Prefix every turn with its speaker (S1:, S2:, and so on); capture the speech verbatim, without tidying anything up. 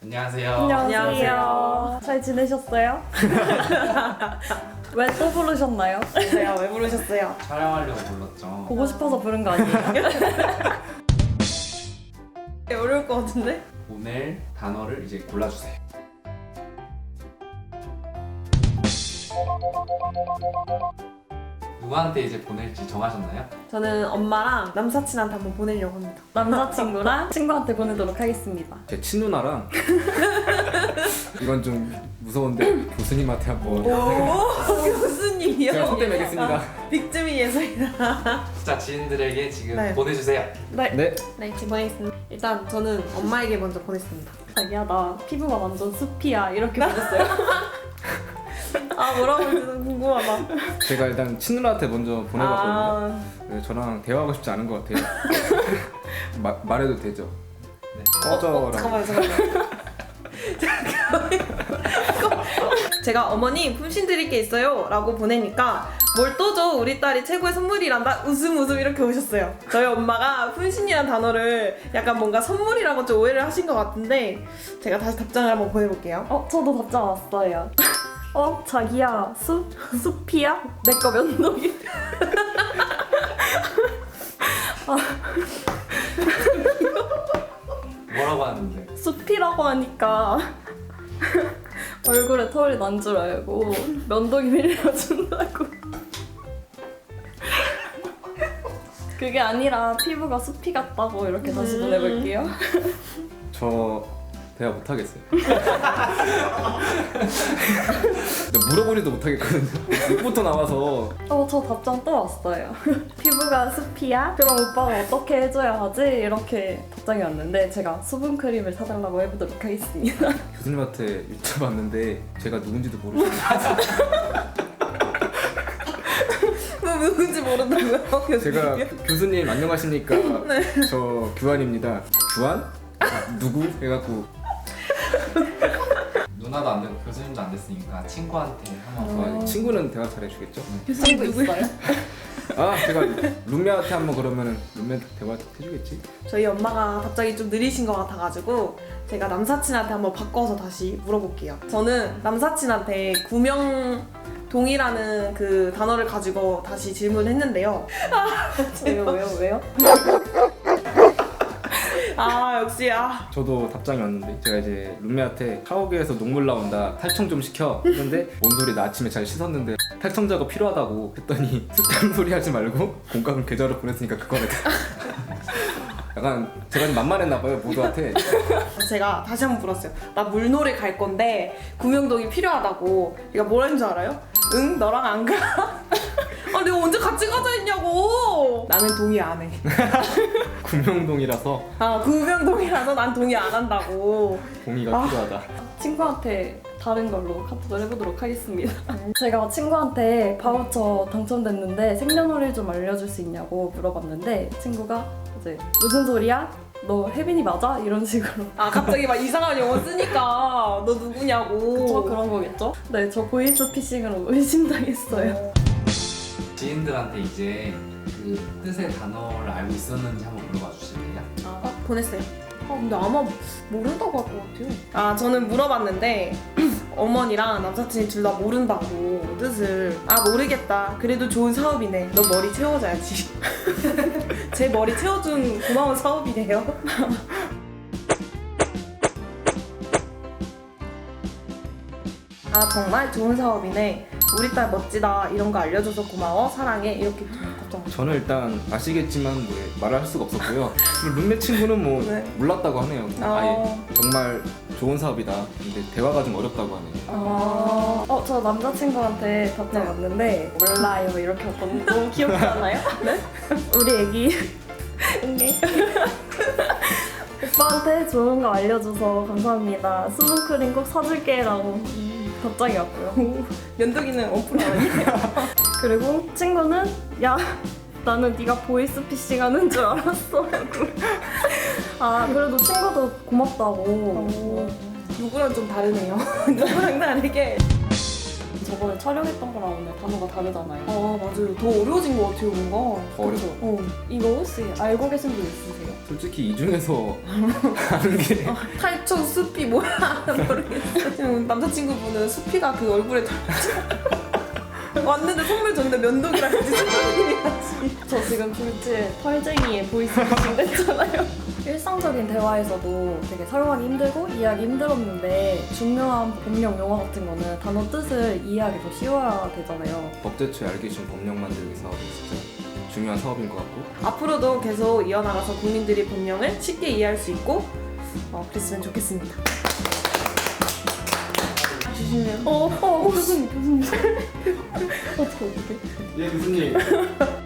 S1: 안녕하세요.
S2: 안녕하세요. 잘 지내셨어요? 왜 또 부르셨나요?
S3: 제가 왜 부르셨어요?
S1: 촬영하려고 불렀죠.
S2: 보고 싶어서 부른 거 아니에요?
S3: 어려울 것 같은데?
S1: 오늘 단어를 이제 골라주세요. 누구한테 이제 보낼지 정하셨나요?
S3: 저는 엄마랑 남사친한테 한번 보내려고 합니다.
S2: 남자친구랑 친구한테 보내도록 하겠습니다.
S4: 제 친누나랑 이건 좀 무서운데 교수님한테 한번
S3: 오, 교수님이요?
S4: 제가 손대 매겠습니다.
S3: 아, 빅즈미 예술이다.
S1: 자, 지인들에게 지금
S3: 네.
S1: 보내주세요.
S2: 네.
S4: 네.
S3: 네, 지금 보내겠습니다. 일단 저는 엄마에게 먼저 보냈습니다.
S2: 자기야 나 피부가 완전 숲이야 이렇게 보냈어요.
S3: 아, 뭐라고 했는지 궁금하다.
S4: 제가 일단 친누나한테 먼저 보내봤거든요.
S3: 아,
S4: 네, 저랑 대화하고 싶지 않은 것 같아요. 마, 말해도 되죠?
S1: 네.
S4: 꺼져라.
S3: 어, 잠깐만요, 잠깐만요. 제가 어머니 품신 드릴 게 있어요 라고 보내니까 뭘 또 줘 우리 딸이 최고의 선물이란다 웃음 웃음 이렇게 오셨어요. 저희 엄마가 품신이란 단어를 약간 뭔가 선물이라고 좀 오해를 하신 것 같은데 제가 다시 답장을 한번 보내볼게요.
S2: 어 저도 답장 왔어요. 어 자기야 숲 숲이야? 내 거 면도기.
S1: 뭐라고 하는데?
S2: 숲이라고 하니까 얼굴에 털이 난 줄 알고 면도기 빌려준다고. 그게 아니라 피부가 숲이 같다고 이렇게 다시
S3: 음.
S2: 보내볼게요.
S4: 저 대화 못하겠어요. 물어보지도 못하겠거든요. 입부터 나와서
S2: 어, 저 답장 또 왔어요. 피부가 숲이야? 그럼 오빠가 어떻게 해줘야 하지? 이렇게 답장이 왔는데 제가 수분크림을 사달라고 해보도록 하겠습니다.
S4: 교수님한테 여쭤봤는데 제가 누군지도 모르겠어요.
S3: 뭐 누군지 모른다고요? 교수님?
S4: 제가 교수님 안녕하십니까? 저 규환입니다. 규환? 아, 누구? 해갖고
S1: 누나도 안 되고 교수님도 안 됐으니까 친구한테 한번
S4: 아, 친구는 대화 잘해주겠죠?
S2: 친구 있어요?
S4: 아 제가 룸메한테 한번 그러면은 룸메 대화 해주겠지?
S3: 저희 엄마가 답장이 좀 느리신 것 같아가지고 제가 남사친한테 한번 바꿔서 다시 물어볼게요. 저는 남사친한테 구명동이라는 그 단어를 가지고 다시 질문했는데요.
S2: 왜요 왜요 왜요?
S3: 아 역시 아
S4: 저도 답장이 왔는데 제가 이제 룸메한테 샤워기에서 녹물 나온다 탈청 좀 시켜 했는데 뭔 소리 나 아침에 잘 씻었는데 탈청 작업 필요하다고 했더니 쓸데없는 소리 하지 말고 공감을 계좌로 보냈으니까 그거를 약간 제가 좀 만만했나 봐요 모두한테.
S3: 제가 다시 한번 물었어요. 나 물놀이 갈 건데 구명동이 필요하다고. 얘가 뭐라는 줄 알아요? 응 너랑 안 가? 아 내가 언제 같이 가자 했냐고. 나는 동의 안 해.
S4: 구명동이라서
S3: 아 구명동이라서 난 동의 안 한다고.
S4: 동의가
S3: 아.
S4: 필요하다.
S2: 친구한테 다른 걸로 카톡을 해보도록 하겠습니다. 제가 친구한테 바우처 당첨됐는데 생년월일 좀 알려줄 수 있냐고 물어봤는데 친구가 이제 무슨 소리야? 너 혜빈이 맞아? 이런 식으로.
S3: 아 갑자기 막 이상한 영어 쓰니까 너 누구냐고.
S2: 저 그런 거겠죠? 네, 저 보이스피싱으로 의심당했어요.
S1: 지인들한테 이제 그 뜻의 단어를 알고 있었는지 한번 물어봐 주실래요?
S3: 아, 보냈어요. 아, 근데 아마 모른다고 할 것 같아요. 아, 저는 물어봤는데 어머니랑 남사친이 둘 다 모른다고 뜻을. 아, 모르겠다. 그래도 좋은 사업이네. 너 머리 채워줘야지. 제 머리 채워준 고마운 사업이네요. 아, 정말 좋은 사업이네. 우리 딸 멋지다. 이런 거 알려줘서 고마워. 사랑해. 이렇게 답장.
S4: 저는 일단 아시겠지만 뭐 말을 할 수가 없었고요. 그리고 룸메 친구는 뭐
S3: 네.
S4: 몰랐다고 하네요.
S3: 아.
S4: 아예 정말 좋은 사업이다. 근데 대화가 좀 어렵다고 하네요.
S2: 아, 어, 저 남자친구한테 답장 왔는데 몰라요 이렇게 왔거든요. 너무 귀엽지 않아요? 네? 우리 애기 응애 오빠한테 좋은 거 알려줘서 감사합니다. 수분크림 꼭 사줄게 라고 답장이 왔고요.
S3: 면도기는 원프로 아니에요?
S2: 그리고 친구는 야 나는 네가 보이스피싱 하는 줄 알았어. 아 그래도 친구도 고맙다고.
S3: 누구랑 좀 다르네요. 누구랑 다르게.
S2: 저번에 촬영했던 거랑 오늘 단어가 다르잖아요.
S3: 아 맞아요. 더 어려워진 것 같아요 뭔가.
S4: 더 어렵-
S3: 그쵸? 어.
S2: 이거 혹시 알고 계신 분 있으세요?
S4: 솔직히 이 중에서 하는 게
S3: 탈청 숲이 뭐야 모르겠어. 지금 남자친구분은 숲이가 그 얼굴에 털 왔는데 선물 줬는데 면도기랑 같이 선물이야지.
S2: 저 지금 둘째 털쟁이의 보이스피싱 됐잖아요. 일상적인 대화에서도 되게 사용하기 힘들고 이해하기 힘들었는데 중요한 법령 용어 같은 거는 단어 뜻을 이해하기 더 쉬워야 되잖아요.
S4: 법제처에 알기 쉬운 법령 만들기 사업이 진짜 중요한 사업인 것 같고
S3: 앞으로도 계속 이어나가서 국민들이 법령을 쉽게 이해할 수 있고 어, 그랬으면 좋겠습니다. 주시면
S2: 어, 어, 교수님, 교수님. 어떻게, 어떻게?
S4: 예 교수님